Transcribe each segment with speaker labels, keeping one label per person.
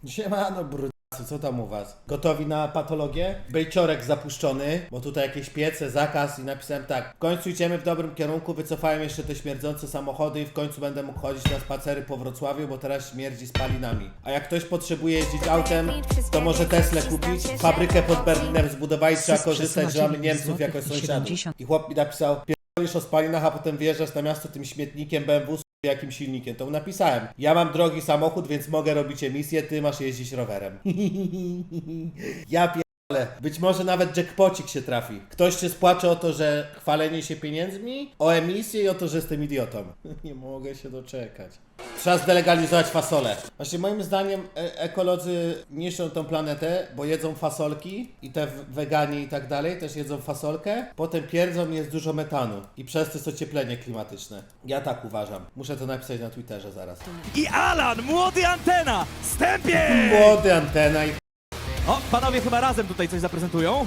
Speaker 1: Siemano, brudasy, co tam u was? Gotowi na patologię? Bejciorek zapuszczony, bo tutaj jakieś piece, zakaz i napisałem tak. W końcu idziemy w dobrym kierunku, wycofałem jeszcze te śmierdzące samochody i w końcu będę mógł chodzić na spacery po Wrocławiu, bo teraz śmierdzi spalinami. A jak ktoś potrzebuje jeździć autem, to może Teslę kupić. Fabrykę pod Berlinem zbudowali, trzeba korzystać, że mamy Niemców jako sąsiadów. I chłop mi napisał, pierdolisz o spalinach, a potem wyjeżdżasz na miasto tym śmietnikiem BMW z jakim silnikiem, to mu napisałem. Ja mam drogi samochód, więc mogę robić emisję, ty masz jeździć rowerem. Ja pierdolę. Być może nawet jackpocik się trafi. Ktoś się spłacze o to, że chwalenie się pieniędzmi, o emisję i o to, że jestem idiotą. Nie mogę się doczekać. Trzeba zdelegalizować fasolę. Właśnie moim zdaniem ekolodzy niszczą tą planetę, bo jedzą fasolki i te weganie i tak dalej też jedzą fasolkę, potem pierdzą i jest dużo metanu i przez to jest ocieplenie klimatyczne. Ja tak uważam. Muszę to napisać na Twitterze zaraz.
Speaker 2: I Alan, młody Antena, wstępie!
Speaker 1: Młody Antena i...
Speaker 2: O, panowie chyba razem tutaj coś zaprezentują.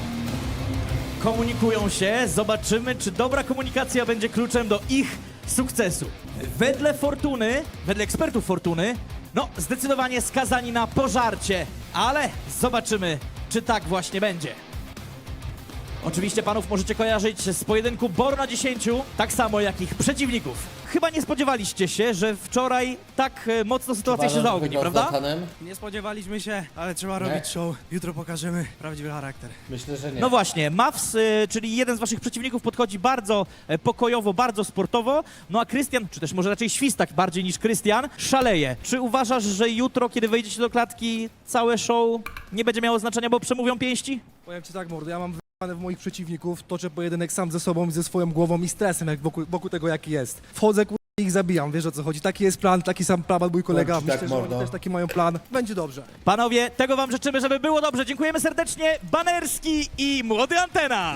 Speaker 2: Komunikują się, zobaczymy, czy dobra komunikacja będzie kluczem do ich sukcesu. Wedle Fortuny, wedle ekspertów Fortuny, no zdecydowanie skazani na pożarcie, ale zobaczymy, czy tak właśnie będzie. Oczywiście panów możecie kojarzyć z pojedynku Bor na 10, tak samo jak ich przeciwników. Chyba nie spodziewaliście się, że wczoraj tak mocno sytuacja się zaogni, prawda?
Speaker 3: Nie spodziewaliśmy się, ale trzeba robić show. Jutro pokażemy prawdziwy charakter.
Speaker 1: Myślę, że nie.
Speaker 2: No właśnie, Mavs, czyli jeden z waszych przeciwników, podchodzi bardzo pokojowo, bardzo sportowo, no a Krystian, czy też może raczej Świstak bardziej niż Krystian, szaleje. Czy uważasz, że jutro, kiedy wejdziecie do klatki, całe show nie będzie miało znaczenia, bo przemówią pięści?
Speaker 3: Powiem ci tak, mordo, ja mam w moich przeciwników, toczę pojedynek sam ze sobą i ze swoją głową i stresem, jak wokół tego, jaki jest. Wchodzę, i ich zabijam, wiesz o co chodzi. Taki jest plan, taki sam plan mój kolega.
Speaker 1: Powiem ci
Speaker 3: Myślę,
Speaker 1: tak,
Speaker 3: że oni
Speaker 1: mordo.
Speaker 3: też taki mają plan. Będzie dobrze.
Speaker 2: Panowie, tego wam życzymy, żeby było dobrze. Dziękujemy serdecznie, Banerski i młody Antena.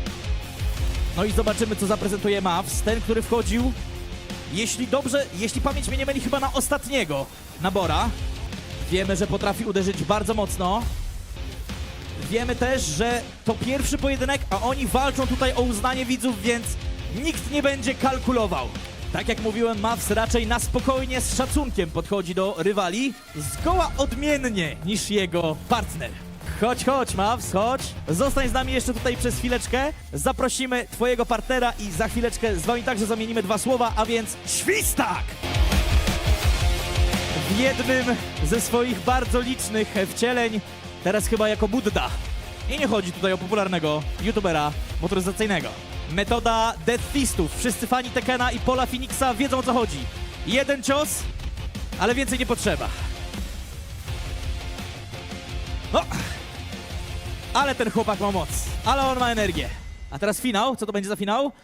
Speaker 2: No i zobaczymy, co zaprezentuje Mavs, ten, który wchodził, jeśli pamięć mnie nie myli, chyba na ostatniego nabora. Wiemy, że potrafi uderzyć bardzo mocno. Wiemy też, że to pierwszy pojedynek, a oni walczą tutaj o uznanie widzów, więc nikt nie będzie kalkulował. Tak jak mówiłem, Mavs raczej na spokojnie, z szacunkiem podchodzi do rywali, zgoła odmiennie niż jego partner. Chodź, Mavs, chodź. Zostań z nami jeszcze tutaj przez chwileczkę. Zaprosimy twojego partnera i za chwileczkę z wami także zamienimy dwa słowa, a więc Świstak! W jednym ze swoich bardzo licznych wcieleń, teraz chyba jako Budda. I nie chodzi tutaj o popularnego youtubera motoryzacyjnego. Metoda Death Fistów. Wszyscy fani Tekena i Paula Phoenixa wiedzą, o co chodzi. Jeden cios, ale więcej nie potrzeba. No, ale ten chłopak ma moc, ale on ma energię. A teraz finał. Co to będzie za finał?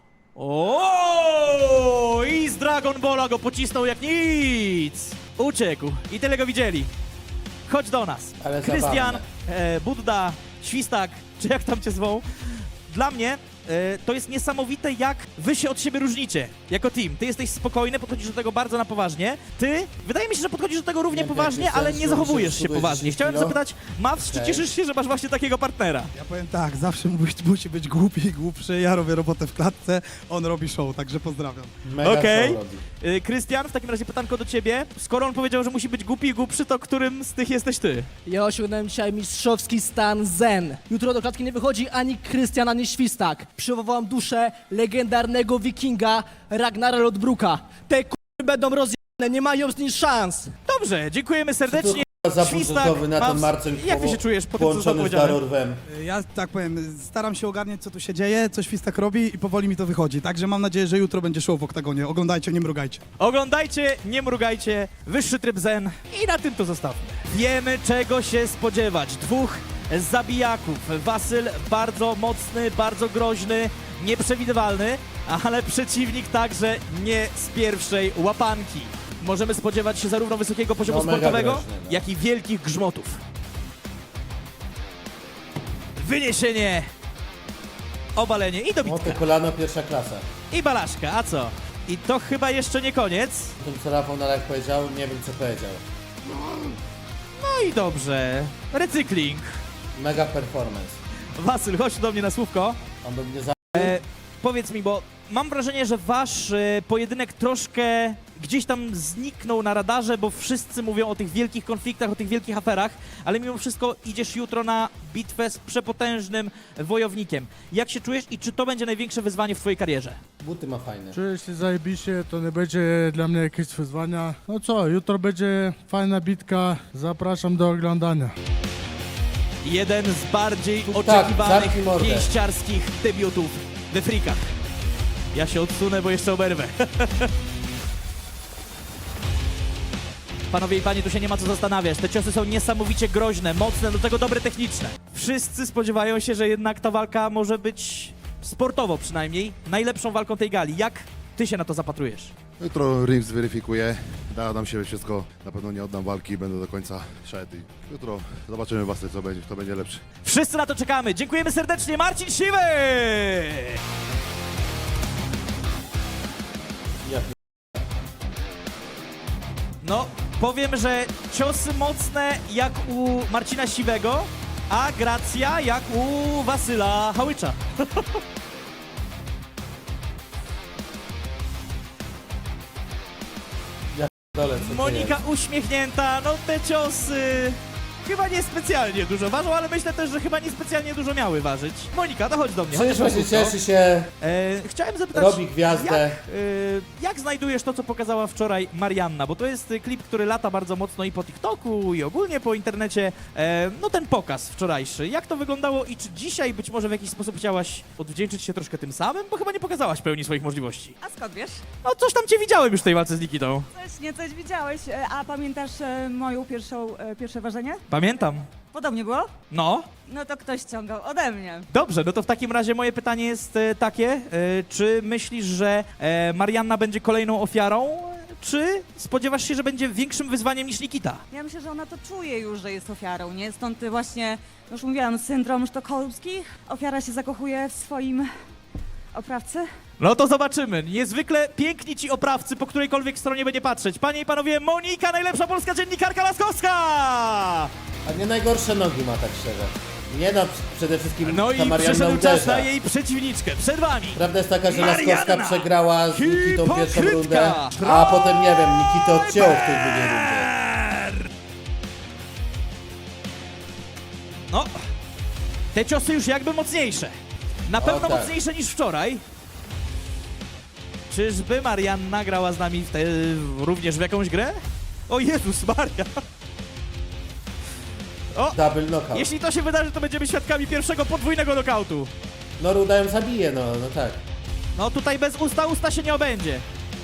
Speaker 2: O! I z Dragon Balla go pocisnął jak nic. Uciekł i tyle go widzieli. Chodź do nas.
Speaker 1: Ale
Speaker 2: Krystian,
Speaker 1: zabawne.
Speaker 2: Budda, Świstak, czy jak tam cię zwą. Dla mnie to jest niesamowite, jak wy się od siebie różnicie jako team. Ty jesteś spokojny, podchodzisz do tego bardzo na poważnie. Ty, wydaje mi się, że podchodzisz do tego równie
Speaker 1: Nie,
Speaker 2: poważnie,
Speaker 1: Krystian,
Speaker 2: ale nie
Speaker 1: słuchaj,
Speaker 2: zachowujesz się
Speaker 1: szybujesz
Speaker 2: poważnie.
Speaker 1: 10
Speaker 2: Chciałem
Speaker 1: kilo.
Speaker 2: zapytać, Mavs, czy
Speaker 1: Okej.
Speaker 2: cieszysz się, że masz właśnie takiego partnera?
Speaker 4: Ja powiem tak, zawsze musi być głupi i głupszy. Ja robię robotę w klatce, on robi show, także pozdrawiam.
Speaker 1: Mega
Speaker 2: Okej.
Speaker 1: show robi.
Speaker 2: Krystian, w takim razie pytanko do ciebie. Skoro on powiedział, że musi być głupi i głupszy, to którym z tych jesteś ty?
Speaker 5: Ja osiągnąłem dzisiaj mistrzowski stan zen. Jutro do klatki nie wychodzi ani Krystian, ani Świstak. Przywołam duszę legendarnego wikinga Ragnara Lodbruka. Te k***y będą rozjebane, nie mają z nim szans.
Speaker 2: Dobrze, dziękujemy serdecznie.
Speaker 1: Zabudżetowy na ten
Speaker 2: Mavs,
Speaker 1: Marcel
Speaker 2: jak ty się czujesz po tym, co zostało
Speaker 1: połączony z
Speaker 2: powiedziane?
Speaker 1: Darorwem.
Speaker 4: Ja tak powiem, staram się ogarniać, co tu się dzieje, co Świstak robi i powoli mi to wychodzi. Także mam nadzieję, że jutro będzie show w oktagonie. Oglądajcie, nie mrugajcie.
Speaker 2: Oglądajcie, nie mrugajcie, wyższy tryb zen i na tym to zostawmy. Wiemy, czego się spodziewać. Dwóch zabijaków. Wasyl bardzo mocny, bardzo groźny, nieprzewidywalny, ale przeciwnik także nie z pierwszej łapanki. Możemy spodziewać się zarówno wysokiego poziomu
Speaker 1: No, mega
Speaker 2: sportowego,
Speaker 1: groźny, no.
Speaker 2: jak i wielkich grzmotów. Wyniesienie, obalenie i dobitka.
Speaker 1: Moty kolano pierwsza klasa.
Speaker 2: I balaszka, a co? I to chyba jeszcze nie koniec.
Speaker 1: Tym co Rafał na live powiedział, nie wiem co powiedział.
Speaker 2: No i dobrze. Recykling.
Speaker 1: Mega performance.
Speaker 2: Wasyl, chodź do mnie na słówko.
Speaker 1: On by mnie
Speaker 2: Powiedz mi, bo mam wrażenie, że wasz pojedynek troszkę gdzieś tam zniknął na radarze, bo wszyscy mówią o tych wielkich konfliktach, o tych wielkich aferach, ale mimo wszystko idziesz jutro na bitwę z przepotężnym wojownikiem. Jak się czujesz i czy to będzie największe wyzwanie w twojej karierze?
Speaker 1: Buty ma fajne.
Speaker 6: Czuję się zajebiście, to nie będzie dla mnie jakieś wyzwania. No co, jutro będzie fajna bitka, zapraszam do oglądania.
Speaker 2: Jeden z bardziej
Speaker 1: Tak,
Speaker 2: oczekiwanych
Speaker 1: zamknij mordę.
Speaker 2: pięściarskich debiutów we frikach. Ja się odsunę, bo jeszcze oberwę. Panowie i panie, tu się nie ma co zastanawiać. Te ciosy są niesamowicie groźne, mocne, do tego dobre techniczne. Wszyscy spodziewają się, że jednak ta walka może być sportowo przynajmniej najlepszą walką tej gali. Jak ty się na to zapatrujesz?
Speaker 7: Jutro ring zweryfikuje, da nam się wszystko, na pewno nie oddam walki, będę do końca szedł i jutro zobaczymy właśnie co będzie, kto będzie lepszy.
Speaker 2: Wszyscy na to czekamy. Dziękujemy serdecznie. Marcin Siwy!
Speaker 1: Ja
Speaker 2: No, powiem, że ciosy mocne jak u Marcina Siwego, a gracja jak u Wasyla Hałycza.
Speaker 1: dole, co to
Speaker 2: Monika
Speaker 1: jest?
Speaker 2: uśmiechnięta, no te ciosy chyba niespecjalnie dużo ważą, ale myślę też, że chyba niespecjalnie dużo miały ważyć. Monika, dochodź do mnie.
Speaker 1: Przecież
Speaker 2: chodź
Speaker 1: właśnie
Speaker 2: krótko.
Speaker 1: cieszy się,
Speaker 2: Chciałem zapytać,
Speaker 1: robi gwiazdę.
Speaker 2: jak znajdujesz to, co pokazała wczoraj Marianna? Bo to jest klip, który lata bardzo mocno i po TikToku, i ogólnie po internecie. No ten pokaz wczorajszy. Jak to wyglądało i czy dzisiaj być może w jakiś sposób chciałaś odwdzięczyć się troszkę tym samym? Bo chyba nie pokazałaś pełni swoich możliwości.
Speaker 8: A skąd wiesz?
Speaker 2: No coś tam cię widziałem już w tej walce z Nikitą.
Speaker 8: Coś widziałeś. A pamiętasz moją pierwsze ważenie?
Speaker 2: Pamiętam.
Speaker 8: Podobnie było?
Speaker 2: No.
Speaker 8: No to ktoś ściągał ode mnie.
Speaker 2: Dobrze, no to w takim razie moje pytanie jest takie, czy myślisz, że Marianna będzie kolejną ofiarą, czy spodziewasz się, że będzie większym wyzwaniem niż Nikita?
Speaker 8: Ja myślę, że ona to czuje już, że jest ofiarą, nie? Stąd właśnie, już mówiłam, syndrom sztokholmski. Ofiara się zakochuje w swoim oprawcy.
Speaker 2: No to zobaczymy. Niezwykle piękni ci oprawcy, po którejkolwiek stronie będzie patrzeć. Panie i panowie, Monika, najlepsza polska dziennikarka Laskowska!
Speaker 1: A nie najgorsze nogi ma, tak szczerze. Nie no, przede wszystkim
Speaker 2: No
Speaker 1: ta
Speaker 2: i
Speaker 1: Marianna
Speaker 2: przyszedł czas
Speaker 1: uderza.
Speaker 2: na jej przeciwniczkę. Przed wami
Speaker 1: Prawda jest taka, że
Speaker 2: Marianna!
Speaker 1: Laskowska przegrała z Nikitą pierwszą
Speaker 2: Hipokrytka!
Speaker 1: rundę, a potem, nie wiem, Nikitę odcięło w tej drugiej rundzie.
Speaker 2: No, te ciosy już jakby mocniejsze. Na pewno
Speaker 1: tak.
Speaker 2: mocniejsze niż wczoraj. Czyżby Marianna grała z nami również w jakąś grę? O Jezus Maria!
Speaker 1: Double knockout.
Speaker 2: Jeśli to się wydarzy, to będziemy świadkami pierwszego podwójnego knockoutu.
Speaker 1: No Ruda ją zabije, no tak.
Speaker 2: No tutaj bez usta się nie obędzie.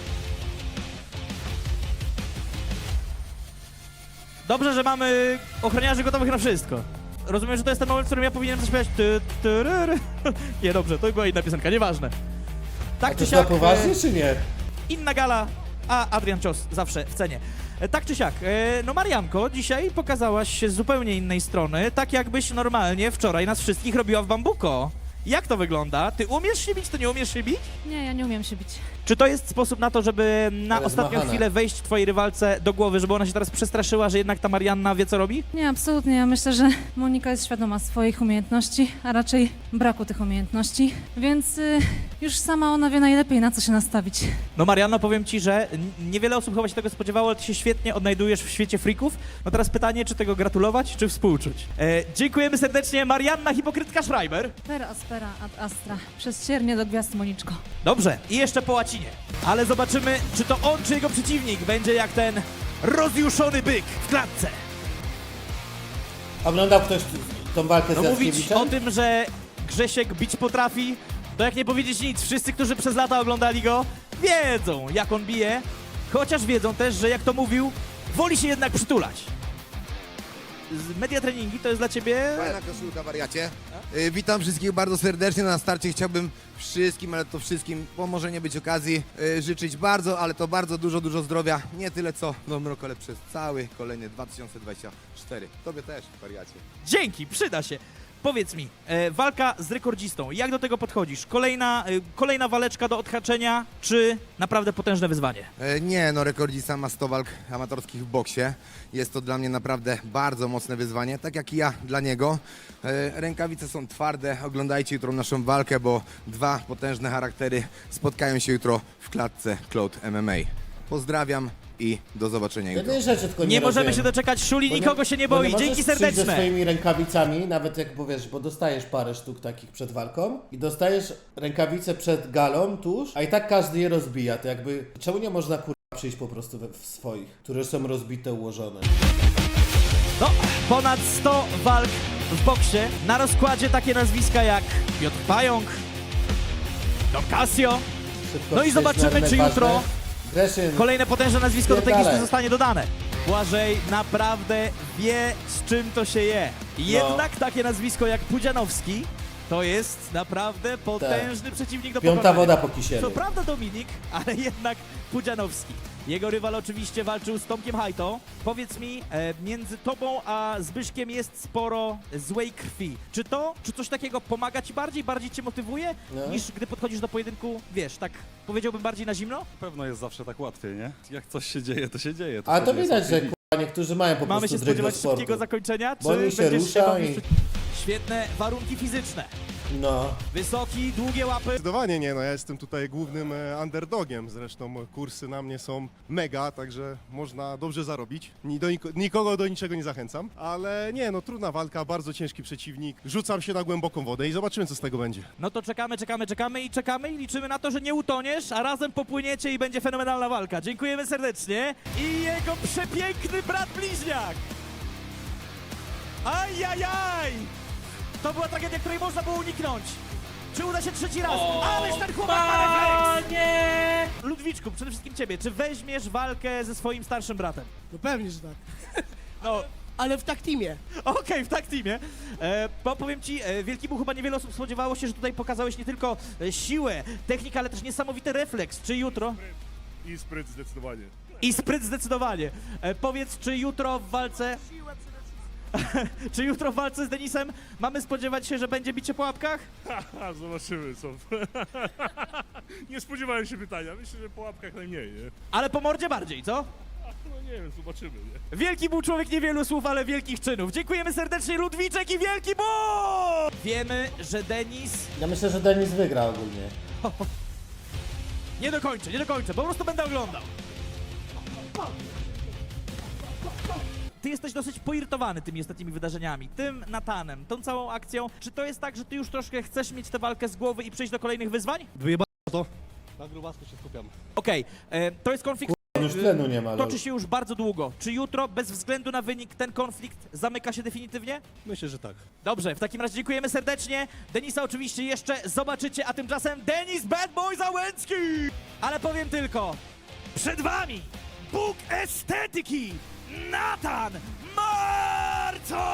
Speaker 2: Dobrze, że mamy ochroniarzy gotowych na wszystko. Rozumiem, że to jest ten moment, w którym ja powinienem zaśpiewać Nie, dobrze, to była inna piosenka, nieważne.
Speaker 1: A
Speaker 2: Tak
Speaker 1: to
Speaker 2: czy
Speaker 1: jest na
Speaker 2: siak,
Speaker 1: poważnie, czy nie?
Speaker 2: inna gala, a Adrian Cios zawsze w cenie. Tak czy siak, no Marianko, dzisiaj pokazałaś się z zupełnie innej strony, tak jakbyś normalnie wczoraj nas wszystkich robiła w bambuko. Jak to wygląda? Ty umiesz się bić, ty nie umiesz się bić?
Speaker 9: Nie, ja nie umiem się bić.
Speaker 2: Czy to jest sposób na to, żeby na
Speaker 1: Ale
Speaker 2: ostatnią
Speaker 1: zmachana.
Speaker 2: chwilę wejść twojej rywalce do głowy, żeby ona się teraz przestraszyła, że jednak ta Marianna wie, co robi?
Speaker 9: Nie, absolutnie. Ja myślę, że Monika jest świadoma swoich umiejętności, a raczej braku tych umiejętności, więc już sama ona wie najlepiej, na co się nastawić.
Speaker 2: No Marianno, powiem ci, że niewiele osób chyba się tego spodziewało, ale ty się świetnie odnajdujesz w świecie freaków. No teraz pytanie, czy tego gratulować, czy współczuć? Dziękujemy serdecznie, Marianna Hipokrytka Schreiber.
Speaker 9: Per aspera ad astra. Przez ciernie do gwiazd, Moniczko.
Speaker 2: Dobrze, i jeszcze po łacinie. Ale zobaczymy, czy to on, czy jego przeciwnik będzie jak ten rozjuszony byk w klatce.
Speaker 1: Oglądał ktoś tą walkę z
Speaker 2: No mówić
Speaker 1: Jackiewiczem?
Speaker 2: o tym, że Grzesiek bić potrafi, to jak nie powiedzieć nic. Wszyscy, którzy przez lata oglądali go, wiedzą, jak on bije. Chociaż wiedzą też, że jak to mówił, woli się jednak przytulać. Media treningi to jest dla ciebie...
Speaker 10: Fajna koszulka, wariacie. Witam wszystkich bardzo serdecznie. Na starcie chciałbym wszystkim, ale to wszystkim, bo może nie być okazji, życzyć bardzo, ale to bardzo dużo zdrowia. Nie tyle co w nowym roku, ale przez cały kolejny 2024. Tobie też, wariacie.
Speaker 2: Dzięki, przyda się. Powiedz mi, walka z rekordzistą, jak do tego podchodzisz? Kolejna waleczka do odhaczenia, czy naprawdę potężne wyzwanie?
Speaker 10: Nie, no rekordzista ma 100 walk amatorskich w boksie. Jest to dla mnie naprawdę bardzo mocne wyzwanie, tak jak i ja dla niego. Rękawice są twarde, oglądajcie jutro naszą walkę, bo dwa potężne charaktery spotkają się jutro w klatce Cloud MMA. Pozdrawiam i do zobaczenia jutro.
Speaker 1: Jednej rzeczy tylko
Speaker 2: Nie możemy
Speaker 1: rozumiem.
Speaker 2: się doczekać, Szuli
Speaker 1: Bo
Speaker 2: nikogo się nie
Speaker 1: bo
Speaker 2: boi,
Speaker 1: możesz
Speaker 2: dzięki
Speaker 1: przyjść ze
Speaker 2: serdeczne.
Speaker 1: swoimi rękawicami, nawet jak powiesz, bo dostajesz parę sztuk takich przed walką i dostajesz rękawice przed galą tuż, a i tak każdy je rozbija, to jakby, czemu nie można przyjść po prostu w swoich, które są rozbite, ułożone?
Speaker 2: No, ponad 100 walk w boksie, na rozkładzie takie nazwiska jak Piotr Pająk, Don Casio,
Speaker 1: Szybko
Speaker 2: no i
Speaker 1: przejść
Speaker 2: zobaczymy,
Speaker 1: na
Speaker 2: czy
Speaker 1: ważne.
Speaker 2: jutro
Speaker 1: Greszyn,
Speaker 2: kolejne potężne nazwisko do tej listy
Speaker 1: Pierdalaj.
Speaker 2: zostanie dodane. Błażej naprawdę wie, z czym to się je. Jednak takie nazwisko jak Pudzianowski to jest naprawdę potężny przeciwnik do
Speaker 1: piąta
Speaker 2: pokonania.
Speaker 1: woda po kisielu.
Speaker 2: Co prawda Dominik, ale jednak Pudzianowski. Jego rywal oczywiście walczył z Tomkiem Hajto. Powiedz mi, między tobą a Zbyszkiem jest sporo złej krwi. Czy coś takiego pomaga ci bardziej cię motywuje,
Speaker 1: No.
Speaker 2: niż gdy podchodzisz do pojedynku, wiesz, tak powiedziałbym bardziej na zimno?
Speaker 11: Na pewno jest zawsze tak łatwiej, nie? Jak coś się dzieje, to się dzieje.
Speaker 1: A to
Speaker 11: wtedy
Speaker 1: widać,
Speaker 11: jest
Speaker 1: że
Speaker 11: łatwiej.
Speaker 1: niektórzy mają po
Speaker 2: Mamy
Speaker 1: prostu
Speaker 2: się
Speaker 1: dryg do
Speaker 2: spodziewać
Speaker 1: sportu.
Speaker 2: szybkiego zakończenia,
Speaker 1: Bo oni
Speaker 2: czy
Speaker 1: się
Speaker 2: będziesz
Speaker 1: rusza
Speaker 2: bawił
Speaker 1: i-
Speaker 2: Świetne warunki fizyczne.
Speaker 1: No.
Speaker 2: Wysoki, długie łapy.
Speaker 12: Zdecydowanie nie, no ja jestem tutaj głównym underdogiem, zresztą kursy na mnie są mega, także można dobrze zarobić. Nikogo do niczego nie zachęcam, ale nie, no trudna walka, bardzo ciężki przeciwnik, rzucam się na głęboką wodę i zobaczymy, co z tego będzie.
Speaker 2: No to czekamy i liczymy na to, że nie utoniesz, a razem popłyniecie i będzie fenomenalna walka. Dziękujemy serdecznie. I jego przepiękny brat bliźniak. Ajajaj! To była tragedia, której można było uniknąć. Czy uda się trzeci raz? Ależ ten chłopak ma refleks! Nie! Ludwiczku, przede wszystkim ciebie, czy weźmiesz walkę ze swoim starszym bratem?
Speaker 5: No pewnie, że tak.
Speaker 2: No,
Speaker 5: Ale w tak teamie.
Speaker 2: okej, w tak teamie. Bo powiem ci, Wielkiemu chyba niewiele osób spodziewało się, że tutaj pokazałeś nie tylko siłę, technikę, ale też niesamowity refleks. Czy jutro?
Speaker 12: I spryt zdecydowanie.
Speaker 2: I spryt zdecydowanie. Powiedz, czy jutro w walce... czy jutro w walce z Denisem mamy spodziewać się, że będzie bicie po łapkach?
Speaker 12: Zobaczymy, co. Nie spodziewałem się pytania, myślę, że po łapkach najmniej, nie?
Speaker 2: Ale po mordzie bardziej, co?
Speaker 12: No nie wiem, zobaczymy, nie?
Speaker 2: Wielki był człowiek niewielu słów, ale wielkich czynów. Dziękujemy serdecznie, Ludwiczek i Wielki Bóg! Wiemy, że Denis...
Speaker 1: Ja myślę, że Denis wygra ogólnie.
Speaker 2: Nie dokończę, po prostu będę oglądał. Ty jesteś dosyć poirytowany tymi ostatnimi wydarzeniami, tym Natanem, tą całą akcją. Czy to jest tak, że ty już troszkę chcesz mieć tę walkę z głowy i przejść do kolejnych wyzwań?
Speaker 3: Wyjeba to. Na grubasku się skupiam.
Speaker 2: Okej, to jest konflikt,
Speaker 1: On już tlenu nie ma,
Speaker 2: toczy się już bardzo długo. Czy jutro, bez względu na wynik, ten konflikt zamyka się definitywnie?
Speaker 3: Myślę, że tak.
Speaker 2: Dobrze, w takim razie dziękujemy serdecznie. Denisa oczywiście jeszcze zobaczycie, a tymczasem Denis Bad Boy Załęcki! Ale powiem tylko, przed wami Bóg estetyki, Natan Marcoń!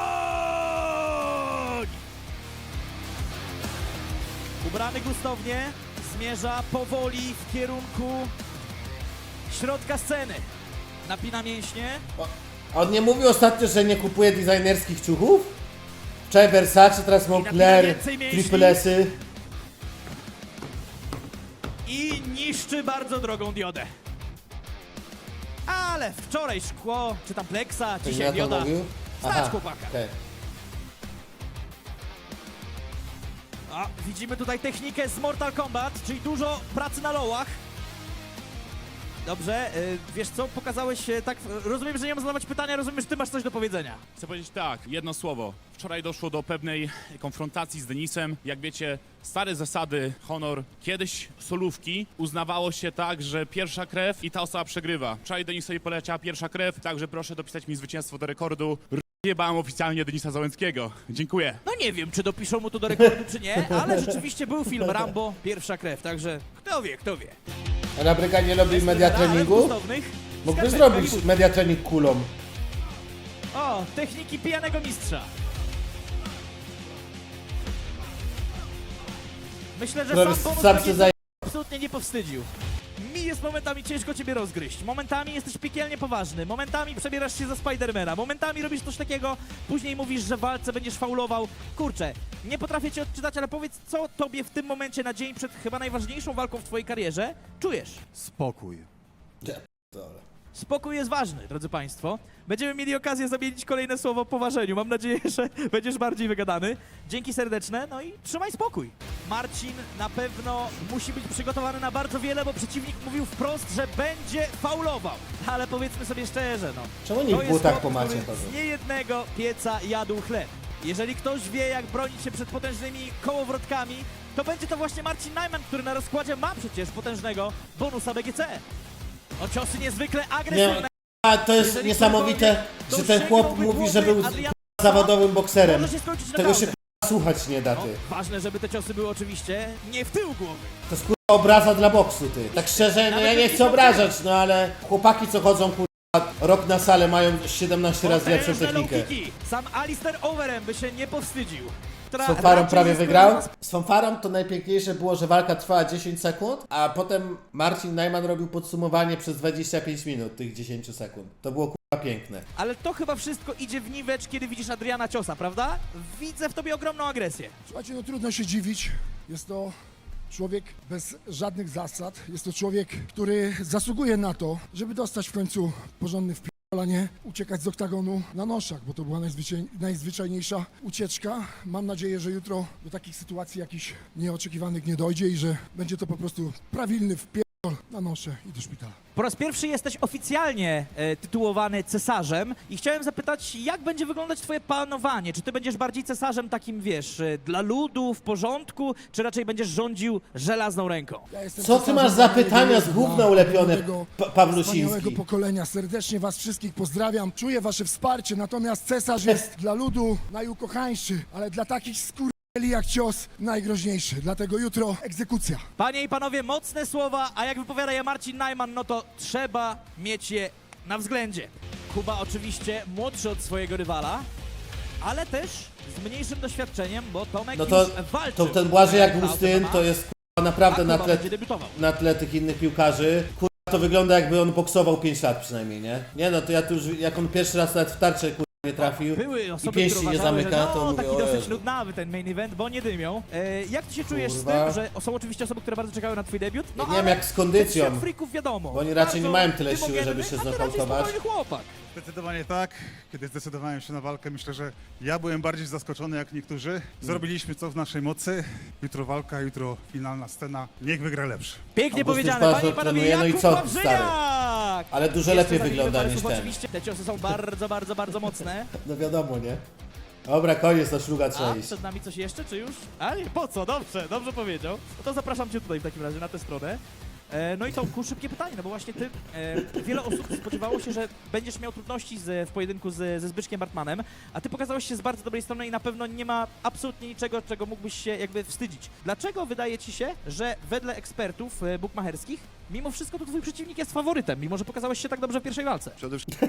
Speaker 2: Ubrany gustownie, zmierza powoli w kierunku środka sceny. Napina mięśnie.
Speaker 1: A on nie mówił ostatnio, że nie kupuje designerskich ciuchów? Wczoraj Versace, teraz Moncler,
Speaker 2: więcej mięśni.
Speaker 1: Triple S-y.
Speaker 2: I niszczy bardzo drogą diodę. Ale wczoraj szkło, czy tam pleksa,
Speaker 1: To
Speaker 2: dzisiaj
Speaker 1: ja to
Speaker 2: dioda.
Speaker 1: mówił?
Speaker 2: Stać chłopaka.
Speaker 1: okej.
Speaker 2: A, widzimy tutaj technikę z Mortal Kombat, czyli dużo pracy na lołach. Dobrze, wiesz co, pokazałeś tak, rozumiem, że nie mam zadawać pytania, rozumiem, że ty masz coś do powiedzenia.
Speaker 11: Chcę powiedzieć tak, jedno słowo. Wczoraj doszło do pewnej konfrontacji z Denisem. Jak wiecie, stare zasady, honor. Kiedyś solówki uznawało się tak, że pierwsza krew i ta osoba przegrywa. Wczoraj Denisowi poleciała pierwsza krew, także proszę dopisać mi zwycięstwo do rekordu. Jebałem oficjalnie Denisa Załęckiego. Dziękuję.
Speaker 2: No nie wiem, czy dopiszą mu to do rekordu, czy nie, ale rzeczywiście był film Rambo, pierwsza krew, także kto wie, kto wie.
Speaker 1: A na Bryganie robi media
Speaker 2: Ale w
Speaker 1: treningu?
Speaker 2: gustownych
Speaker 1: Mógłbyś
Speaker 2: skarpetkach
Speaker 1: zrobić media trening kulą.
Speaker 2: O, techniki pijanego mistrza. Myślę, że
Speaker 1: Który
Speaker 2: sam bonus
Speaker 1: sam
Speaker 2: tak
Speaker 1: się
Speaker 2: jest
Speaker 1: zaje...
Speaker 2: absolutnie nie powstydził. mi jest momentami ciężko ciebie rozgryźć. Momentami jesteś piekielnie poważny, momentami przebierasz się za Spidermana, momentami robisz coś takiego, później mówisz, że w walce będziesz faulował. Kurczę, nie potrafię cię odczytać, ale powiedz, co tobie w tym momencie na dzień przed chyba najważniejszą walką w twojej karierze czujesz?
Speaker 3: Spokój.
Speaker 2: Spokój jest ważny, drodzy Państwo. Będziemy mieli okazję zamienić kolejne słowo po ważeniu. Mam nadzieję, że będziesz bardziej wygadany. Dzięki serdeczne, no i trzymaj spokój. Marcin na pewno musi być przygotowany na bardzo wiele, bo przeciwnik mówił wprost, że będzie faulował. Ale powiedzmy sobie szczerze, no.
Speaker 1: Czemu nie w
Speaker 2: To jest
Speaker 1: butach
Speaker 2: chłop,
Speaker 1: po macie
Speaker 2: który
Speaker 1: chodzą?
Speaker 2: z niejednego pieca jadł chleb. Jeżeli ktoś wie, jak bronić się przed potężnymi kołowrotkami, to będzie to właśnie Marcin Najman, który na rozkładzie ma przecież potężnego bonusa BGC. No ciosy niezwykle agresywne.
Speaker 1: A to jest
Speaker 2: Jeżeli
Speaker 1: niesamowite,
Speaker 2: ktokolwiek
Speaker 1: że ten chłop
Speaker 2: dosięgnąłby
Speaker 1: mówi, że
Speaker 2: głowy
Speaker 1: był
Speaker 2: Adriana,
Speaker 1: zawodowym bokserem.
Speaker 2: może się skończyć
Speaker 1: Tego się
Speaker 2: naprawdę.
Speaker 1: słuchać nie da,
Speaker 2: No,
Speaker 1: ty.
Speaker 2: ważne, żeby te ciosy były oczywiście nie w tył głowy.
Speaker 1: To jest obraza dla boksu, ty. Tak szczerze, no ja nie chcę obrażać, no ale chłopaki co chodzą rok na salę mają 17 razy lepszą
Speaker 2: Potężne
Speaker 1: technikę.
Speaker 2: low kicki. Sam Alistair Overeem by się nie powstydził.
Speaker 1: Z fanfarą prawie
Speaker 2: jest
Speaker 1: wygrał. Z fanfarą to najpiękniejsze było, że walka trwała 10 sekund, a potem Marcin Najman robił podsumowanie przez 25 minut tych 10 sekund. To było piękne.
Speaker 2: Ale to chyba wszystko idzie w niwecz, kiedy widzisz Adriana Ciosa, prawda? Widzę w tobie ogromną agresję.
Speaker 6: Słuchajcie, no trudno się dziwić. Jest to człowiek bez żadnych zasad. Jest to człowiek, który zasługuje na to, żeby dostać w końcu porządny wpierdolanie, uciekać z oktagonu na noszach, bo to była najzwyczajniejsza ucieczka. Mam nadzieję, że jutro do takich sytuacji jakichś nieoczekiwanych nie dojdzie i że będzie to po prostu prawilny wpierdol na nosze i do szpitala.
Speaker 2: Po raz pierwszy jesteś oficjalnie tytułowany cesarzem i chciałem zapytać, jak będzie wyglądać twoje panowanie? Czy ty będziesz bardziej cesarzem takim, wiesz, dla ludu, w porządku, czy raczej będziesz rządził żelazną ręką?
Speaker 6: Ja jestem
Speaker 1: Co ty masz za pytania z gówna ulepione,
Speaker 6: wspaniałego
Speaker 1: Pawlusiński?
Speaker 6: pokolenia. Serdecznie was wszystkich pozdrawiam. Czuję wasze wsparcie, natomiast cesarz jest dla ludu najukochańszy, ale dla takich jak cios najgroźniejszy. Dlatego jutro egzekucja.
Speaker 2: Panie i panowie, mocne słowa, a jak wypowiada je Marcin Najman, no to trzeba mieć je na względzie. Kuba oczywiście młodszy od swojego rywala, ale też z mniejszym doświadczeniem, bo Tomek
Speaker 1: No to,
Speaker 2: już walczył.
Speaker 1: to ten Błażej jak
Speaker 2: na
Speaker 1: Augustyn
Speaker 2: MMA,
Speaker 1: to jest naprawdę
Speaker 2: a
Speaker 1: na
Speaker 2: Kuba
Speaker 1: tle,
Speaker 2: będzie debiutował.
Speaker 1: na tle tych innych piłkarzy. To wygląda jakby on boksował 5 lat przynajmniej, nie? Nie no, to ja tu już, jak on pierwszy raz nawet w tarczę nie trafił
Speaker 2: Były
Speaker 1: i
Speaker 2: osoby,
Speaker 1: pięści
Speaker 2: które
Speaker 1: nie
Speaker 2: uważały,
Speaker 1: zamyka,
Speaker 2: że
Speaker 1: to
Speaker 2: no,
Speaker 1: mówię,
Speaker 2: taki
Speaker 1: o
Speaker 2: dosyć
Speaker 1: Jezu.
Speaker 2: nudnawy ten main event, bo nie dymią. Jak ty się czujesz z
Speaker 1: Kurwa.
Speaker 2: tym, że są oczywiście osoby, które bardzo czekają na twój debiut? No
Speaker 1: Nie wiem,
Speaker 2: ale
Speaker 1: jak z kondycją.
Speaker 2: ten świat freaków wiadomo.
Speaker 1: Bo oni raczej nie
Speaker 2: Bardzo
Speaker 1: mają tyle siły,
Speaker 2: dymogenny,
Speaker 1: żeby się
Speaker 2: a ty raczej
Speaker 1: znokautować.
Speaker 2: spokojny chłopak.
Speaker 13: Zdecydowanie tak. Kiedy zdecydowałem się na walkę, myślę, że ja byłem bardziej zaskoczony jak niektórzy. Zrobiliśmy co w naszej mocy. Jutro walka, jutro finalna scena. Niech wygra lepszy.
Speaker 2: Pięknie
Speaker 1: Augustyn
Speaker 2: powiedziane,
Speaker 1: bardzo
Speaker 2: panie i panowie,
Speaker 1: trenuje, no i
Speaker 2: Jakub
Speaker 1: co,
Speaker 2: Wawrzyniak!
Speaker 1: Ale dużo
Speaker 2: Jeszcze
Speaker 1: lepiej
Speaker 2: za chwilę
Speaker 1: wygląda
Speaker 2: parę
Speaker 1: niż
Speaker 2: słów
Speaker 1: ten.
Speaker 2: Oczywiście te ciosy są bardzo mocne.
Speaker 1: No wiadomo, nie? Dobra, koniec, na szluga
Speaker 2: A
Speaker 1: trzeba iść.
Speaker 2: przed nami coś jeszcze, czy już? A nie, po co? Dobrze powiedział. No to zapraszam cię tutaj w takim razie, na tę stronę. No i Tomku, szybkie pytanie, no bo właśnie ty, wiele osób spodziewało się, że będziesz miał trudności w pojedynku ze Zbyszkiem Bartmanem, a ty pokazałeś się z bardzo dobrej strony i na pewno nie ma absolutnie niczego, czego mógłbyś się jakby wstydzić. Dlaczego wydaje ci się, że wedle ekspertów bukmacherskich, mimo wszystko to twój przeciwnik jest faworytem, mimo że pokazałeś się tak dobrze w pierwszej walce?
Speaker 12: Przede wszystkim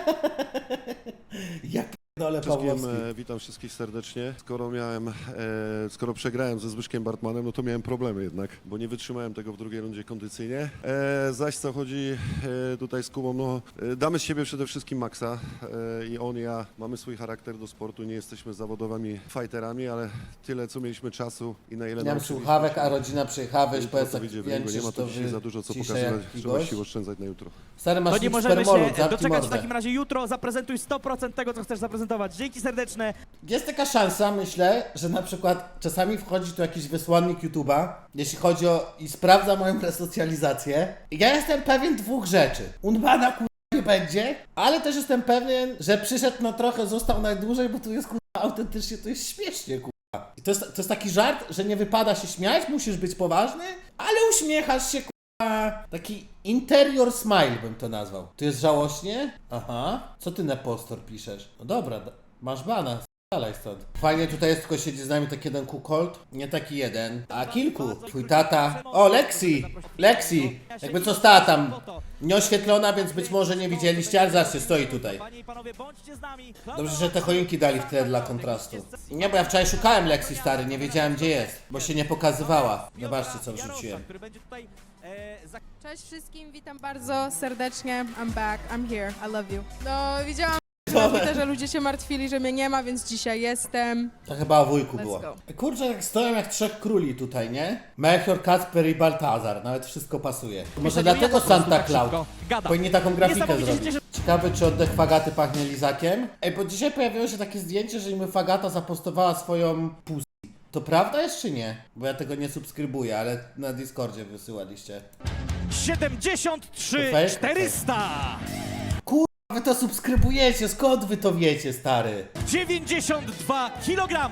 Speaker 1: Ja p***dolę Pawłowski.
Speaker 12: witam wszystkich serdecznie. Skoro przegrałem ze Zbyszkiem Bartmanem, no to miałem problemy jednak, bo nie wytrzymałem tego w drugiej rundzie kondycyjnie. Zaś co chodzi tutaj z Kubą, no damy z siebie przede wszystkim maksa i on, ja mamy swój charakter do sportu, nie jesteśmy zawodowymi fighterami, ale tyle co mieliśmy czasu i na ile
Speaker 1: Nie mam
Speaker 12: nauczyliśmy
Speaker 1: słuchawek,
Speaker 12: się.
Speaker 1: a rodzina przyjechała, weź
Speaker 12: Jutro
Speaker 1: powiedz
Speaker 12: to
Speaker 1: jak
Speaker 12: wyjdzie w niego.
Speaker 1: jęczysz,
Speaker 12: Nie ma
Speaker 1: to
Speaker 12: tu dzisiaj za dużo co
Speaker 1: ciszę
Speaker 12: pokazywać,
Speaker 1: jak
Speaker 12: trzeba
Speaker 1: gość.
Speaker 12: sił oszczędzać na jutro.
Speaker 1: Stary, masz
Speaker 2: To nie
Speaker 1: tu
Speaker 2: możemy
Speaker 1: spermolud,
Speaker 2: się
Speaker 1: zamknij
Speaker 2: doczekać w
Speaker 1: mordę.
Speaker 2: takim razie jutro, zaprezentuj 100% tego, co chcesz zaprezentować. Dzięki serdeczne.
Speaker 1: Jest taka szansa, myślę, że na przykład czasami wchodzi tu jakiś wysłannik YouTube'a, jeśli chodzi o... i sprawdza moją resocjalizację. I ja jestem pewien dwóch rzeczy. Unbana nie będzie, ale też jestem pewien, że przyszedł na trochę, został najdłużej, bo tu jest autentycznie, to jest śmiesznie I to jest taki żart, że nie wypada się śmiać, musisz być poważny, ale uśmiechasz się taki interior smile bym to nazwał. Tu jest żałośnie? Aha. Co ty Nepostor piszesz? No dobra, masz bana. Dalej stąd. Fajnie tutaj jest, tylko siedzi z nami taki jeden kukolt. Nie taki jeden, a kilku. Twój tata. O, Lexi! Lexi! Jakby co stała tam nieoświetlona, więc być może nie widzieliście, ale zobaczcie, stoi tutaj.
Speaker 2: Panie i panowie, bądźcie z nami.
Speaker 1: Dobrze, że te choinki dali w tle dla kontrastu. Nie, bo ja wczoraj szukałem Lexi, stary, nie wiedziałem gdzie jest, bo się nie pokazywała. Zobaczcie, co wrzuciłem.
Speaker 2: Który będzie tutaj,
Speaker 9: Cześć wszystkim, witam bardzo serdecznie. I'm back, I'm here, I love you. No, widziałam że ludzie się martwili, że mnie nie ma, więc dzisiaj jestem.
Speaker 1: To chyba o wujku
Speaker 9: Let's
Speaker 1: było.
Speaker 9: go.
Speaker 1: Kurczę, jak stoją jak trzech króli tutaj, nie? Melchior, Kacper i Baltazar, nawet wszystko pasuje. Może dlatego Santa Claus powinni taką grafikę
Speaker 2: Niesamowicie się
Speaker 1: zrobić.
Speaker 2: cieszę.
Speaker 1: Ciekawe, czy oddech Fagaty pachnie lizakiem? Ej, bo dzisiaj pojawiło się takie zdjęcie, że im Fagata zapostowała swoją pussy. To prawda jest czy nie? Bo ja tego nie subskrybuję, ale na Discordzie wysyłaliście.
Speaker 2: 73
Speaker 1: To fake?
Speaker 2: 400.
Speaker 1: Wy to subskrybujecie, skąd wy to wiecie, stary?
Speaker 2: 92 kg.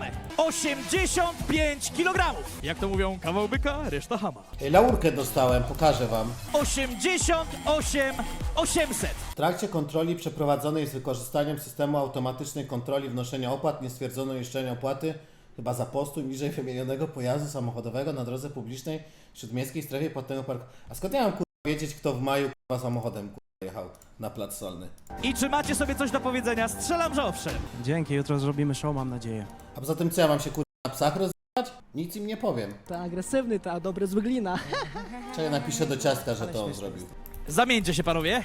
Speaker 2: 85 kg. Jak to mówią, kawał byka, reszta hama.
Speaker 1: Ej, laurkę dostałem, pokażę wam.
Speaker 2: 88 800.
Speaker 1: W trakcie kontroli przeprowadzonej z wykorzystaniem systemu automatycznej kontroli wnoszenia opłat nie stwierdzono uiszczenia opłaty chyba za postój niżej wymienionego pojazdu samochodowego na drodze publicznej w śródmiejskiej strefie płatnego parku. A skąd ja mam wiedzieć, kto w maju samochodem jechał na plac Solny?
Speaker 2: I czy macie sobie coś do powiedzenia? Strzelam, że owszem.
Speaker 3: Dzięki, jutro zrobimy show, mam nadzieję.
Speaker 1: A poza tym co ja mam się na psach rozwijać? Nic im nie powiem.
Speaker 5: Ta agresywny, ta dobry złyglina.
Speaker 1: Czekaj, napiszę do ciastka, że to on zrobił.
Speaker 2: Zamieńcie się, panowie.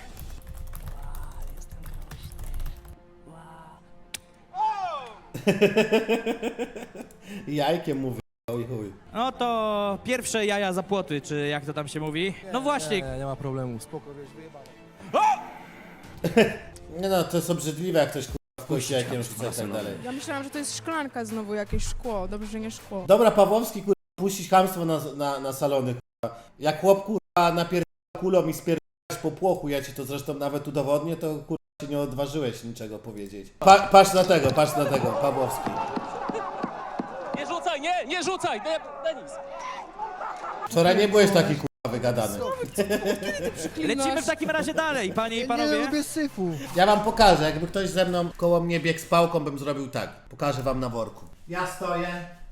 Speaker 1: Jajkiem mówi. Oj chuj.
Speaker 2: No to pierwsze jaja za płoty, czy jak to tam się mówi? No właśnie.
Speaker 3: Nie ma problemu, spoko, wiesz, wyjebane.
Speaker 1: Nie no, to jest obrzydliwe, jak ktoś wpuści jajkiem rzuca i tak dalej.
Speaker 9: Ja myślałam, że to jest szklanka znowu, jakieś szkło. Dobrze, że nie szkło.
Speaker 1: Dobra, Pawłowski, puścić chamstwo na salony, Jak chłop, napierdala kulą i spierdalasz po płochu, ja ci to zresztą nawet udowodnię, to się nie odważyłeś niczego powiedzieć. Patrz na tego, Pawłowski.
Speaker 5: Nie rzucaj, nie rzucaj, Denis.
Speaker 1: Wczoraj nie byłeś taki wygadany.
Speaker 2: Lecimy w takim razie dalej, panie i panowie.
Speaker 3: syfu.
Speaker 1: Ja wam pokażę, jakby ktoś ze mną koło mnie biegł z pałką, bym zrobił tak. Pokażę wam na worku. Ja stoję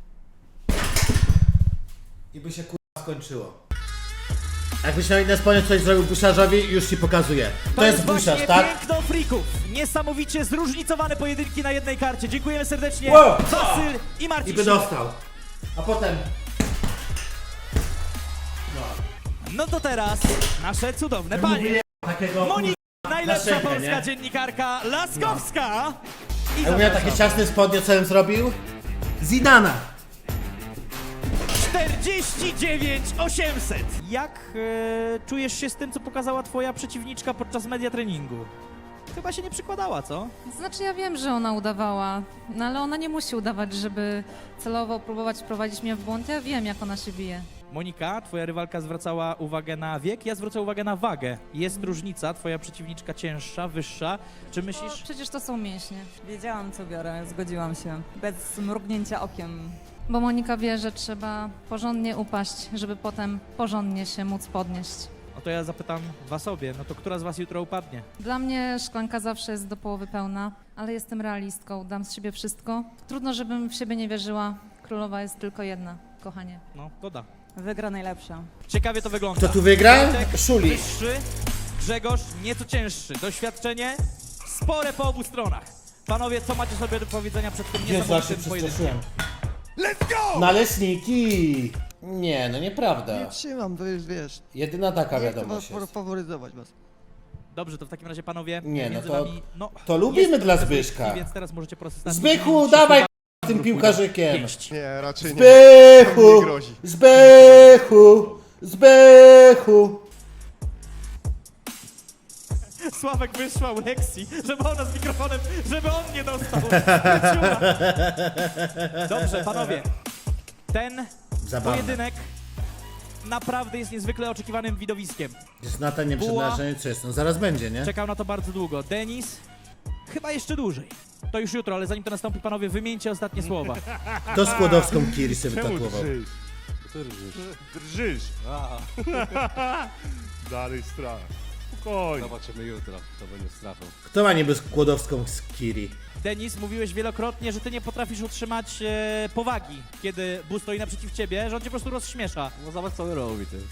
Speaker 1: i by się skończyło. Jakbyś miał inne spodnie, coś zrobił busiarzowi, już ci pokazuję. To jest busiarz,
Speaker 2: właśnie
Speaker 1: tak?
Speaker 2: piękno frików. Niesamowicie zróżnicowane pojedynki na jednej karcie. Dziękujemy serdecznie.
Speaker 1: Wow!
Speaker 2: Wasyl i Marcin.
Speaker 1: I by dostał. A potem...
Speaker 2: No to teraz nasze cudowne panie.
Speaker 1: Takiego...
Speaker 2: Monika, najlepsza
Speaker 1: szynkę,
Speaker 2: polska
Speaker 1: nie?
Speaker 2: dziennikarka Laskowska. I
Speaker 1: Ja miał takie ciasne spodnie, co bym zrobił? Zidana!
Speaker 2: 49 800. Jak czujesz się z tym, co pokazała twoja przeciwniczka podczas media treningu? Chyba się nie przykładała, co?
Speaker 9: Znaczy ja wiem, że ona udawała, no ale ona nie musi udawać, żeby celowo próbować wprowadzić mnie w błąd. Ja wiem, jak ona się bije.
Speaker 2: Monika, twoja rywalka zwracała uwagę na wiek, ja zwrócę uwagę na wagę. Jest różnica, twoja przeciwniczka cięższa, wyższa. Czy myślisz...
Speaker 9: Przecież to są mięśnie.
Speaker 8: Wiedziałam, co biorę, zgodziłam się. Bez mrugnięcia okiem.
Speaker 9: Bo Monika wie, że trzeba porządnie upaść, żeby potem porządnie się móc podnieść.
Speaker 2: No to ja zapytam was obie, no to która z was jutro upadnie?
Speaker 9: Dla mnie szklanka zawsze jest do połowy pełna, ale jestem realistką, dam z siebie wszystko. Trudno, żebym w siebie nie wierzyła. Królowa jest tylko jedna, kochanie.
Speaker 2: No, to da.
Speaker 8: Wygra najlepsza.
Speaker 2: Ciekawie to wygląda.
Speaker 1: Kto tu wygra?
Speaker 2: Bartek
Speaker 1: Szuli.
Speaker 2: Wyższy, Grzegorz nieco cięższy. Doświadczenie spore po obu stronach. Panowie, co macie sobie do powiedzenia przed tym
Speaker 1: Jezu, aż się
Speaker 2: niesamowitym pojedynkiem?
Speaker 1: przestraszyłem.
Speaker 13: Let's go!
Speaker 1: Naleśniki! Nie, no nieprawda.
Speaker 5: Trzymam, to już wiesz.
Speaker 1: Jedyna taka wiadomość jest.
Speaker 5: faworyzować was.
Speaker 2: Dobrze, to w takim razie panowie,
Speaker 1: Nie, no
Speaker 2: między
Speaker 1: to-
Speaker 2: wami, no,
Speaker 1: to lubimy
Speaker 2: jest
Speaker 1: dla
Speaker 2: trochę
Speaker 1: Zbyszka.
Speaker 2: zbytki, Więc teraz możecie po prostu
Speaker 1: Zbychu, dawaj z tym piłkarzykiem!
Speaker 2: pięść.
Speaker 12: Nie, raczej nie.
Speaker 1: Zbychu!
Speaker 12: Nie grozi.
Speaker 1: Zbychu! Zbychu!
Speaker 2: Sławek wysłał Lexi, żeby ona z mikrofonem, żeby on nie dostał. Wróciła. Dobrze, panowie. Ten
Speaker 1: Zabawne.
Speaker 2: pojedynek naprawdę jest niezwykle oczekiwanym widowiskiem.
Speaker 1: Jest Natan
Speaker 2: Buła.
Speaker 1: nieprzeznaczenie, co jest? No zaraz będzie, nie?
Speaker 2: Czekał na to bardzo długo. Denis chyba jeszcze dłużej. To już jutro, ale zanim to nastąpi, panowie, wymieńcie ostatnie słowa.
Speaker 1: To Skłodowską Kiri sobie
Speaker 12: Czemu
Speaker 1: wytatuował.
Speaker 12: drżysz? Drżysz. Dalej strach.
Speaker 11: Spokojnie.
Speaker 12: Zobaczymy jutro, to będzie strafą.
Speaker 1: Kto ma niby skłodowską z Kiri?
Speaker 2: Denis, mówiłeś wielokrotnie, że ty nie potrafisz utrzymać powagi, kiedy Buu stoi naprzeciw ciebie, że on cię po prostu rozśmiesza.
Speaker 12: No zobacz co on robi, ty.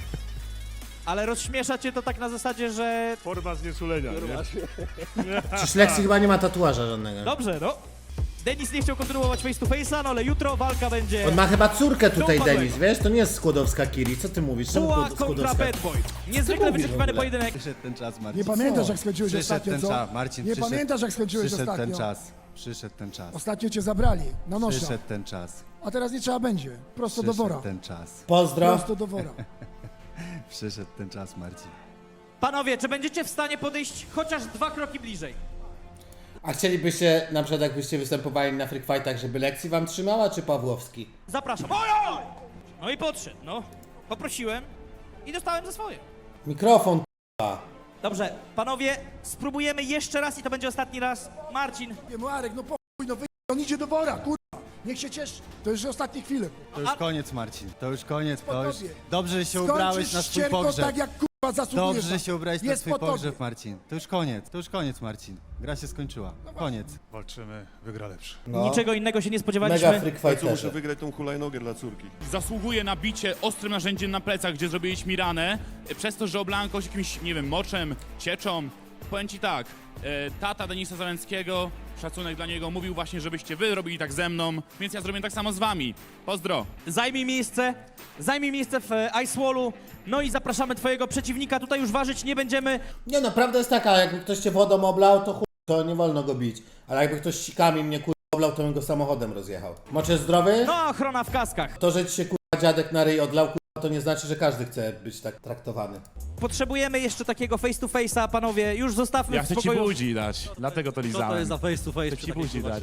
Speaker 2: Ale rozśmiesza cię to tak na zasadzie, że...
Speaker 11: Forma znieczulenia, nie?
Speaker 1: Przecież Lexi chyba nie ma tatuaża żadnego.
Speaker 2: Dobrze, no. Denis nie chciał kontynuować face to face'a, no ale jutro walka będzie...
Speaker 1: On ma chyba córkę tutaj,
Speaker 2: Dopadłego.
Speaker 1: Denis, wiesz? To nie jest skłodowska Kiri, co ty mówisz? Czemu
Speaker 2: Buła kontra
Speaker 1: skłodowska?
Speaker 2: Bad Boy. Niezwykle wyczekiwany pojedynek.
Speaker 12: Przyszedł ten czas, Marcin.
Speaker 6: Nie pamiętasz, jak skończyłeś
Speaker 12: Przyszedł
Speaker 6: ostatnio,
Speaker 12: ten
Speaker 6: co?
Speaker 12: czas, Marcin,
Speaker 6: Nie
Speaker 12: przyszedł-
Speaker 6: pamiętasz, jak skończyłeś
Speaker 12: Przyszedł
Speaker 6: ostatnio?
Speaker 12: ten czas. Przyszedł ten czas.
Speaker 6: Ostatnio cię zabrali na nosza,
Speaker 12: Przyszedł ten czas.
Speaker 6: a teraz nie trzeba będzie. Prosto do wora.
Speaker 12: Przyszedł ten czas.
Speaker 1: Pozdro.
Speaker 6: Prosto do wora.
Speaker 12: Przyszedł ten czas, Marcin.
Speaker 2: Panowie, czy będziecie w stanie podejść chociaż 2 kroki bliżej?
Speaker 1: A chcielibyście, na przykład jakbyście występowali na Freak Fightach, żeby Lexi wam trzymała, czy Pawłowski?
Speaker 2: Zapraszam. Ojoj! No i podszedł, no. Poprosiłem i dostałem za swoje.
Speaker 1: Mikrofon, k***a.
Speaker 2: Dobrze, panowie, spróbujemy jeszcze raz i to będzie ostatni raz. Marcin,
Speaker 6: Nie, Marek, no chuj, no on idzie do wora, kurwa. Niech się cieszy. To już ostatnie chwile.
Speaker 12: To już koniec, Marcin. To już koniec. To już...
Speaker 6: tobie.
Speaker 12: Dobrze, że się ubrałeś
Speaker 6: Skończysz
Speaker 12: na swój
Speaker 6: ścierko
Speaker 12: pogrzeb.
Speaker 6: tak, jak kurwa zasługujesz.
Speaker 12: Dobrze, że się ubrałeś na
Speaker 6: Jest
Speaker 12: swój
Speaker 6: po tobie.
Speaker 12: pogrzeb, Marcin. To już koniec. To już koniec, Marcin. Gra się skończyła. Koniec.
Speaker 13: Walczymy, wygra lepszy.
Speaker 1: No.
Speaker 2: niczego innego się nie
Speaker 1: Mega
Speaker 2: spodziewaliśmy.
Speaker 1: Freak Fighterze.
Speaker 12: wygrać tą hulajnogę dla córki.
Speaker 11: Zasługuje na bicie ostrym narzędziem na plecach, gdzie zrobiliśmy mi ranę. Przez to, że oblałem kogoś jakimś, nie wiem, moczem, cieczą. Powiem ci tak, tata Denisa Załęckiego, szacunek dla niego, mówił właśnie, żebyście wy robili tak ze mną, więc ja zrobię tak samo z wami. Pozdro.
Speaker 2: Zajmij miejsce w Ice Wallu. No i zapraszamy twojego przeciwnika. Tutaj już ważyć nie będziemy.
Speaker 1: Nie no, prawda jest taka, jakby ktoś cię wodą oblał, to chuj, to nie wolno go bić. Ale jakby ktoś sikami mnie kurwa oblał, to bym go samochodem rozjechał. Moczy jest zdrowy?
Speaker 2: No, ochrona w kaskach.
Speaker 1: To, że ci się kurwa dziadek na ryj odlał, kurwa, to nie znaczy, że każdy chce być tak traktowany.
Speaker 2: Potrzebujemy jeszcze takiego face to face'a, panowie. Już zostawmy
Speaker 11: Ja
Speaker 2: w
Speaker 11: chcę ci
Speaker 2: spokoju.
Speaker 11: budzi dać, dlatego to lizałem.
Speaker 12: face to face?
Speaker 11: Chcę ci budzi dać.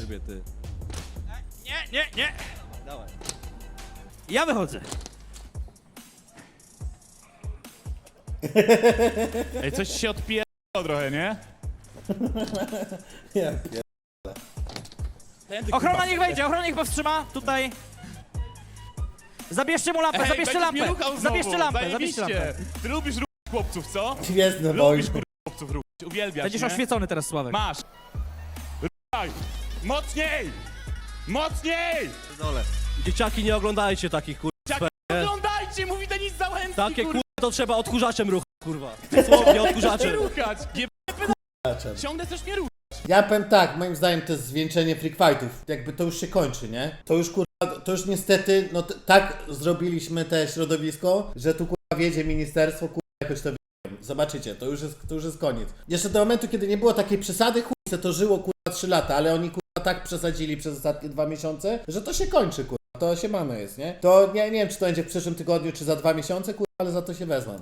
Speaker 2: Nie. Ja wychodzę.
Speaker 11: Ej, coś się odpierało trochę, nie?
Speaker 1: Ja
Speaker 2: Ochrona niech wejdzie, ochrona niech powstrzyma. Tutaj. Zabierzcie mu lampę, zabierzcie
Speaker 11: będziesz
Speaker 2: lampę.
Speaker 11: mnie ruchał znowu,
Speaker 2: Zabierzcie lampę, zabierzcie
Speaker 11: zajebiście.
Speaker 2: lampę.
Speaker 11: Ty lubisz chłopców, co?
Speaker 1: Gwiezdne wojny.
Speaker 11: Lubisz chłopców ruchać, uwielbiasz,
Speaker 2: Będziesz
Speaker 11: nie?
Speaker 2: oświecony teraz, Sławek.
Speaker 11: Masz. Ruchaj. Mocniej! Mocniej!
Speaker 5: Dzieciaki, nie oglądajcie takich, kurwa.
Speaker 11: Jak oglądajcie, mówi Denis Załęcki,
Speaker 5: Takie
Speaker 11: kurwa.
Speaker 5: kurwa to trzeba odkurzaczem ruchać, kurwa. Dosłownie odkurzaczem.
Speaker 11: Ruchać! Nie ciągle też nie ruchać.
Speaker 1: Ja powiem tak, moim zdaniem to jest zwieńczenie Freak Fightów. Jakby to już się kończy, nie? To już kurwa, to już niestety, no tak zrobiliśmy te środowisko, że tu kurwa wiedzie ministerstwo, kurwa jakoś to wiem. Zobaczycie, to już jest koniec. Jeszcze do momentu, kiedy nie było takiej przesady, chuj, to żyło kurwa 3 lata, ale oni kurwa tak przesadzili przez ostatnie 2 miesiące, że to się kończy, kurwa. To się mamy jest, nie? To nie wiem, czy to będzie w przyszłym tygodniu, czy za 2 miesiące, kurwa, ale za to się wezmą.